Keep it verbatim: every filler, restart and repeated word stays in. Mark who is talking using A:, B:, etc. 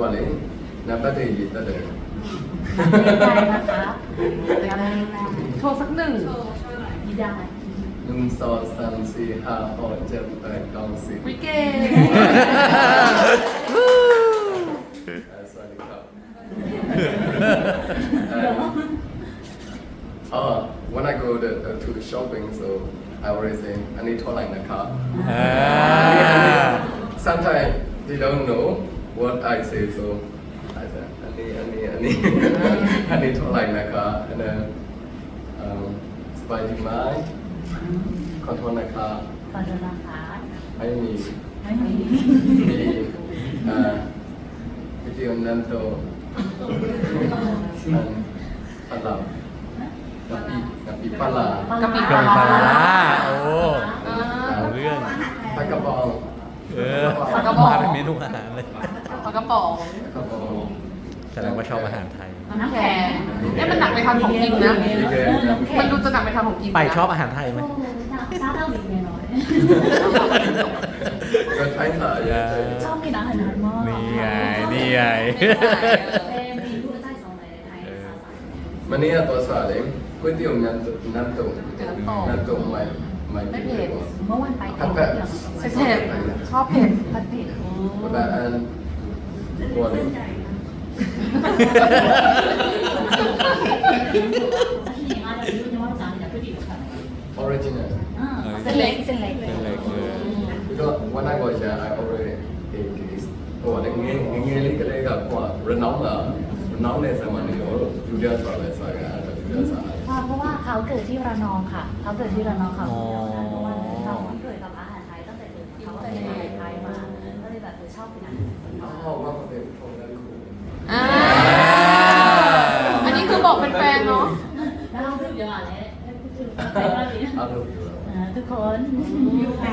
A: ပေါ့လေနံပါတ်တွေရေးတက်တယ်
B: ได้นะคะโชว์สักหนึ่ง
C: ไม่ได้
A: หนึ่งสองสามสี่ห้าหกเจ็ดแปดเก้าสิบ
B: วิเก่
A: Uh, sorry, cup. um, uh, when I go to, uh, to the shopping, so I always say, I need to like the car. Sometimes they don't know what I say, so I say, I need, I need, I need, I need to like the car. And then, um, Spidey mind, control the car.
C: ขอโทษนะคะ
A: I need,
C: ไม่มี
A: need, uh, video nanto, and pala, napi, napi pala,
B: กะปิ
D: กะ
B: ปลา
D: ปิปลา
B: ร้า
D: ร้าโอ้เอาเรื่อง
A: pagkabong,
D: เออมาเป็นเมนูอาหารเลย
B: ปลากระป๋อง
A: pagkabong,
D: แสดงว่าชอบอาหารไทย
B: น้ำแข็งเนี่ยมันหนักไปทางของกินนะ มันดูจะหนักไปทางของกินนะ
D: ไปชอบอาหารไทยไหม
C: ซาเต้าหลิงเนี่ยน้อย
A: ก็ใช้ถ่าย
C: ชอบกินอาหารมาก
D: นี่ไง นี่ไง
C: เป็นเมนูใต้สองในไทยซาซา
A: วันนี้ตัวสาเลยก๋วยเตี๋ยวน้ำน้ำตุ๋นน้ำตุ๋นไม่ไม่
B: ไม่เผ็ด
C: เมื่อวันไป
A: ผัด
C: เที่
A: เผ็
C: ย
A: ด
C: ว
B: เผ็ดชอบเผ็ด
C: ผัดเผ็ด
A: แบบอันตัวนี้ original
C: เส้นเล็กเส้นเล็ก
D: เป็นอะไรเออ
A: because when I was young I already ate this ဟိုတငယ်ငယ်လေးကလေးကဟိုရနောင်းတာရနောင်းတဲ့ဆံမနေတော့လူကြဆိုလဲစားရတာလူကြစား
C: เพราะว่าเขาเกิดที่ระนองค่ะเขาเกิดที่ระนองค่ะเพราะว่าเราเกิดกับอาหารไทยตั้งแต่เกิดเขาเกิดอาหารไทยมาก็เลยแบบชอบกินอาหาร
A: อ๋อว่ามันเป็นของนั้นคู
B: อ่าอันนี้คือบอกเป็นแฟนเนาะ
C: แล้วเราพูดเยอะอะไร
A: อารมณ์อยู่แล้ว
C: ทุกคนยูไอ